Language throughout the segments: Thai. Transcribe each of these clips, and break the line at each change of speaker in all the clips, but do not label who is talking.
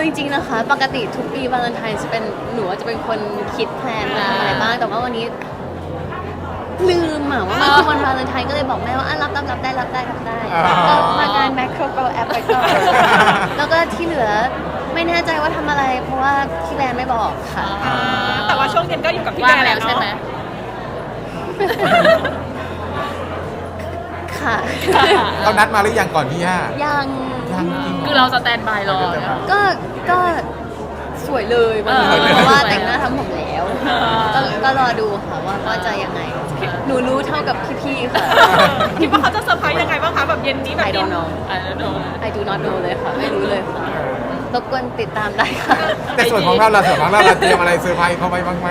จริงๆนะคะปกติทุกปีวาเลนไทน์จะเป็นหนูจะเป็นคนคิดแพลนว่าทำอะไรบ้างแต่ว่าวันนี้ลืมว่ามันคือวันวาเลนไทน์ก็เลยบอกแม่ว่ารับได้ก็มางานแมคโครโกลแอปไปก่อนแล้วก็ที่เหลือไม่แน่ใจว่าทำอะไรเพราะว่าพี่แบรนด์ไม่บอกค่ะ
แต่ว่าช่วงเย็นก็อยู่กับพี่แบรนด์แล้วใช่ไหม
ค่ะ
เขานัดมาหรือยังก่อนพี่ย่า
ยัง
คือเราสแตนบายรอ
ก็สวยเลยวันนี้เพราะว่าแต่งหน้าทำผมแล้วก็รอดูค่ะว่าจะยังไงหนูรู้เท่ากับพี่ๆค่ะ
คิดว่าเขาจะเซอร์ไพรส์ยังไงบ้างคะแบบเย็นนี้แบบ
I don't know I do not know เลยค่ะไม่รู้เลยค่ะรบกวนติดตามได้ค่ะ
แต่ส่วนของเราเตรียมอะไรเซอร์ไพรส์เขาไว้บ้างไหม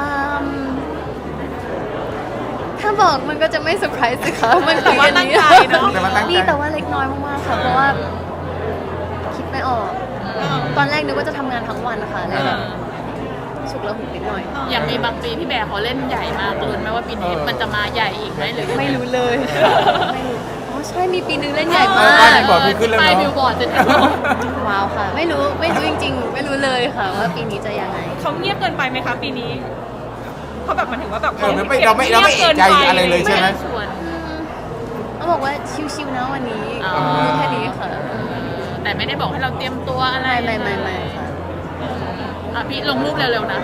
ถ้าบอกมันก็จะไม่เซอร์ไพรส์สิคะมันคืออันนี้นี่แต่ว่าเล็กน้อยมากๆค่ะเพราะว่าคิดไม่ออกตอนแรกนึกว่าจะทำงานทั้งวันนะคะเลยแบบฉุกละหุกนิดหน่อย
อย่างในบางปีพี่แบร์เขาเล่นใหญ่มากลุ้นไหมว่าปีนี้มันจะมาใหญ่อีกไหมหรือ
ไม่รู้เลยไม่รู้อ๋อใช่มีปีนึงเล่นใหญ่มาก
ป้ายบิลบอร์ดจะ
ว้าวค่ะไม่รู้จริงๆไม่รู้เลยค่ะว่าปีนี้จะยังไง
เขาเงียบเกินไปไหมคะปีนี้เขาแบบมันถึงว่าแบบ
เราไม่เอกใจอะไรเลยใช่ไหม
เขาบอกว่าชิวๆนะวันนี้แค่นี้ค่ะ
แต่ไม่ได้บอกให้เราเตรียมตัวอะไร
ไม่
ค่ะพี่ลงรูปเร็วๆนะ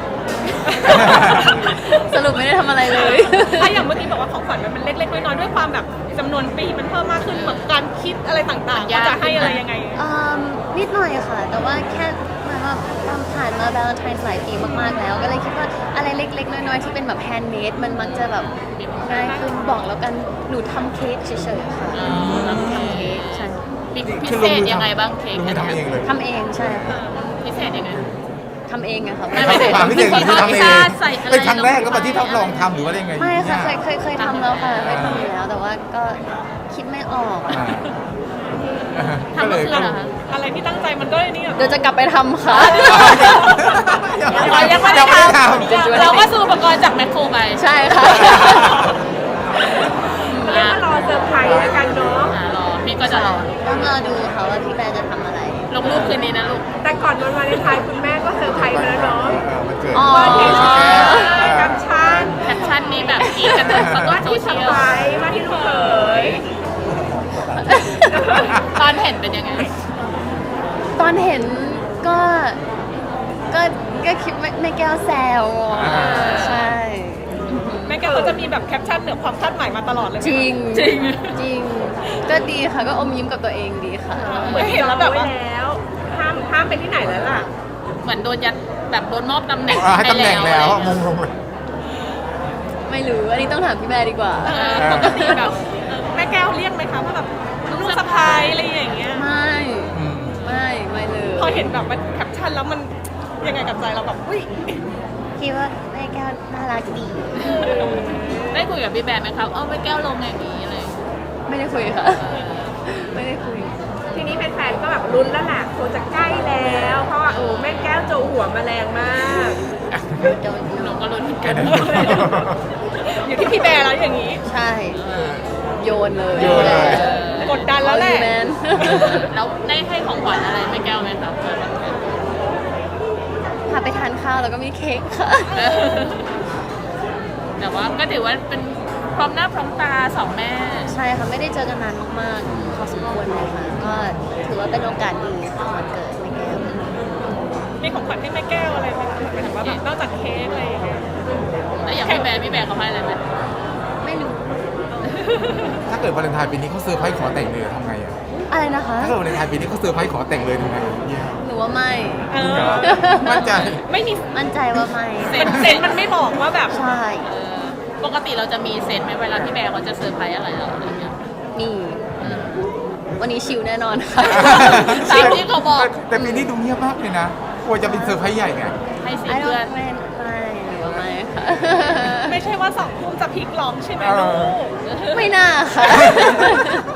สรุปไม่ได้ทำอะไรเลย
ถ้าอย่างเมื่อกี้บอกว่าของขวัญมันเล็กๆน้อยๆด้วยความแบบจำนวนปีมันเพิ่มมากขึ้นแบบการคิดอะไรต่างๆว่าจะให้อะไรยังไง
นิดหน่อยค่ะแต่ว่าแค่ผ่านมาวาเลนไทน์หลายปีมากๆแล้วก็เลยคิดว่าอะไรเล็กๆน้อยๆที่เป็นแบบแฮนด์เมดมันมักจะแบบง่ายขึ้นบอกแล้วกันหนูทำเค้กเฉยๆค่ะทำเค้กใช่
พิเศษยังไงบ้างเค้ก
ทำเองเลย
ทำเองใช่ค่ะ
พิเศษยังไง
ทำเองอะค่ะ
ไม่ใช่ความพิเศษคือทำเองเป็นครั้งแรกก็มาที่ทดลองทำหรือว่ายังไง
ไม่ค่ะเคยทำแล้วค่ะเคยทำอยู่แล้วแต่ว่าก็คิดไม่ออก
ทำเลยอะไรที่ตั้งใจมันก็นี่
เดี๋ยวจะกลับไปทำค่ะ
ยังไม่ได้ทำเราก็ซื้ออุปกรณ์จากแมคโครไป
ใช่ค่ะ
เรียกว่ารอเซอร์ไพรส์แล้วกันเนาะรอพี่ก็จะรอ
ต้องรอดูค่ะว่าพี่แบร์จะทำอะไร
ลงรูปคืนนี้นะลูกแต่ก่อนวันวาเลนไทน์คุณแม่ก็เซอร์ไพรส์แล้วเนาะ
ว่าที่
แคปชั่นนี้แบบกีกันทั้งโซเชียลว่าที่ลูกเขยตอนเห็นเป็นยังไง
ตอนเห็นก็คิดแม่แก้วแซวใช่
แม่แก้วเขาจะมีแบบแคปชั่นเหนือความคาดหมายมาตลอดเลย
จริงก็ดีค่ะก็อมยิ้มกับตัวเองดีค่ะ
เหมือนเห็นแล้วแบบว่าแล้วห้ามไปที่ไหนแล้วล่ะเหมือนโดนยัดแบบโดนมอบตำแหน่ง
แล้วมงลงเลย
ไม่รู้อันนี้ต้องถามพี่แม่ดีกว่า
ปกติแบบแม่แก้วเรียกไหมคะว่าแบบลูกสะพ้ายอะไรอย่างเงี้ย
ไม่เลย
พอเห็นแบบมันแคปชั่นแล้วมันยังไงกับใจเราแบบอุ้ย
คิดว่าแม่แก้วน่ารักดี
ได้คุยกับพี่แบร์ไหมครับแม่แก้วลงอย่างนี้อะไร
ไม่ได้คุยค่ะไม่ได้คุย
ทีนี้แฟนๆก็แบบลุ้นแล้วแหละคงจะใกล้แล้วเพราะว่าแม่แก้วโจหัวมาแรงมากหนูก็ลุ้นกันอยู่ที่พี่แบร์แล้วอย่างนี้
ใช่โยนเลย
กดดันแล้วแหละแล้วได้ให้ของขวัญอะไรแม่แก้วไหมครับ
พาไปทานข้าวแล้วก็มีเค้กค่ะ
แต่ว่าก็ถือว่าเป็นพร้อมหน้าพร้อมตาสองแม่
ใช่ค่ะไม่ได้เจอกันนานมากๆพอสมควรเลยค่ะก็ถือว่าเป็นโอกาสดีค่ะวันเกิดแม่แก้ว
มีของขวัญให้แม่แก้วอะไรไหมคะหมายถึงว่าแบบนอกจากเค้กอะไรอย่างเงี้ยแล้วอย่างพี่แบร์เขาให้อะไรไหม
ไม่รู้
ถ้าเกิดวาเลนไทน์ปีนี้เขาเซอร์ไพรส์ขอแต่งเลยทำไง
อะไรนะคะ
ถ้าเกิดวาเลนไทน์ปีนี้เขาเซอร์ไพรส์ขอแต่งเลยทำไง
หนูว่าไม่
มั่นใจ
ไม่มี
มั่นใจว่าไม่
เซนมันไม่บอกว่าแบบ
ใช่
ปกติเราจะมีเซนไหมเวลาพี่แบร์เขาจะเซอร์ไพรส์อะไรเราอะไรเงี้ย
มีวันนี้ชิลแน่นอนค่ะ
ตามที่เขาบอก
แต่ปีนี้ดูเงียบมากเลยนะกลัวจะเป็นเซอร์ไพรส์ใหญ่ไง
ให้สิเพื่อน
ไม่หรือว่าไม่ค่ะ
ไม่ใช่ว่า2 ทุ่มจะพลิกล็อกใช่ไหมลูก
ไม่น่าค่ะ